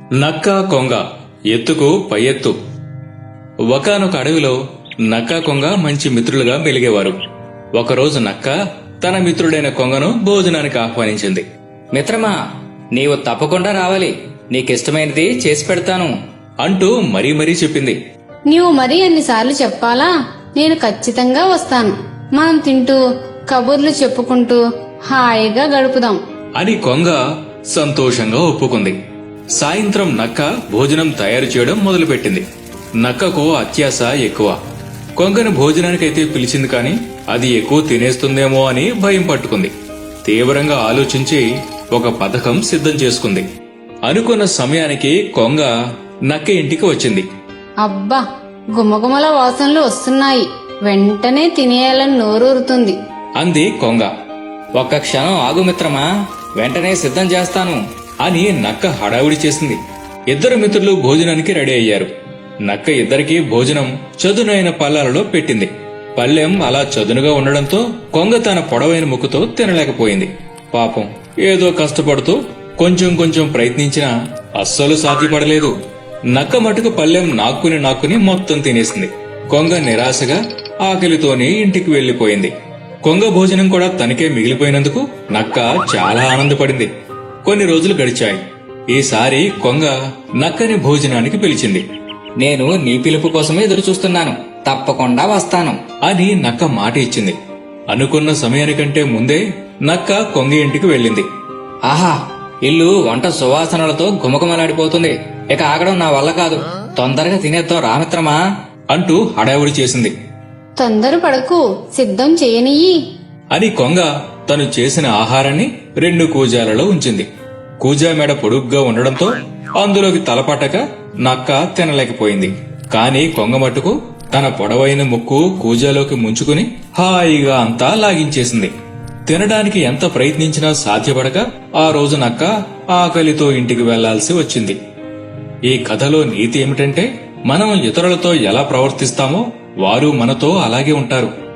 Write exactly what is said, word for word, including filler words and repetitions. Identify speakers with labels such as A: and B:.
A: నక్క కొంగ ఎత్తుకు పై ఎత్తు. ఒకానొక అడవిలో నక్క కొంగ మంచి మిత్రులుగా మెలిగేవారు. ఒకరోజు నక్క తన మిత్రుడైన కొంగను భోజనానికి ఆహ్వానించింది.
B: మిత్రమా, నీవు తప్పకుండా రావాలి, నీకిష్టమైనది చేసి పెడతాను
A: అంటూ మరీ మరీ చెప్పింది.
C: నీవు మరీ అన్నిసార్లు చెప్పాలా? నేను ఖచ్చితంగా వస్తాను. మనం తింటూ కబుర్లు చెప్పుకుంటూ హాయిగా గడుపుదాం
A: అని కొంగ సంతోషంగా ఒప్పుకుంది. సాయంత్రం నక్క భోజనం తయారు చేయడం మొదలుపెట్టింది. నక్కకు అత్యాశ ఎక్కువ. కొంగను భోజనానికైతే పిలిచింది కాని అది ఎక్కువ తినేస్తుందేమో అని భయం పట్టుకుంది. తీవ్రంగా ఆలోచించి ఒక పథకం సిద్ధం చేసుకుంది. అనుకున్న సమయానికి కొంగ నక్క ఇంటికి వచ్చింది.
C: అబ్బా, గుమగుమల వాసనలు వస్తున్నాయి, వెంటనే తినేయాలని నోరూరుతుంది
A: అంది కొంగ.
B: ఒక్క క్షణం ఆగు మిత్రమా, వెంటనే సిద్ధం చేస్తాను
A: అని నక్క హడావుడి చేసింది. ఇద్దరు మిత్రులు భోజనానికి రెడీ అయ్యారు. నక్క ఇద్దరికీ భోజనం చదునైన పళ్ళాలలో పెట్టింది. పళ్ళెం అలా చదునుగా ఉండడంతో కొంగ తన పొడవైన ముక్కుతో తినలేకపోయింది. పాపం, ఏదో కష్టపడుతూ కొంచెం కొంచెం ప్రయత్నించినా అస్సలు సాధ్యపడలేదు. నక్క మటుకు పళ్ళెం నాక్కుని నాక్కుని మొత్తం తినేసింది. కొంగ నిరాశగా ఆకలితోనే ఇంటికి వెళ్లిపోయింది. కొంగ భోజనం కూడా తనకే మిగిలిపోయినందుకు నక్క చాలా ఆనందపడింది. కొన్ని రోజులు గడిచాయి. ఈసారి కొంగ నక్కని భోజనానికి పిలిచింది.
B: నేను నీ పిలుపు కోసమే ఎదురు చూస్తున్నాను, తప్పకుండా వస్తాను
A: అని నక్క మాట ఇచ్చింది. అనుకున్న సమయానికంటే ముందే నక్క కొంగ ఇంటికి వెళ్ళింది.
B: ఆహా, ఇల్లు వంట సువాసనలతో గుమగుమలాడిపోతుంది. ఇక ఆగడం నా వల్ల కాదు, తొందరగా తినేద్దాం రామిత్రమా
A: అంటూ హడావుడి చేసింది.
C: తొందర పడకు, సిద్ధం చేయనియ్యి
A: అని కొంగ తను చేసిన ఆహారాన్ని రెండు కూజాలలో ఉంచింది. కూజా మెడ పొడుగ్గా ఉండడంతో అందులోకి తలపట్టక నక్క తినలేకపోయింది. కాని కొంగ మట్టుకు తన పొడవైన ముక్కు కూజాలోకి ముంచుకుని హాయిగా అంతా లాగించేసింది. తినడానికి ఎంత ప్రయత్నించినా సాధ్యపడక ఆ రోజు నక్క ఆకలితో ఇంటికి వెళ్లాల్సి వచ్చింది. ఈ కథలో నీతి ఏమిటంటే, మనం ఇతరులతో ఎలా ప్రవర్తిస్తామో వారు మనతో అలాగే ఉంటారు.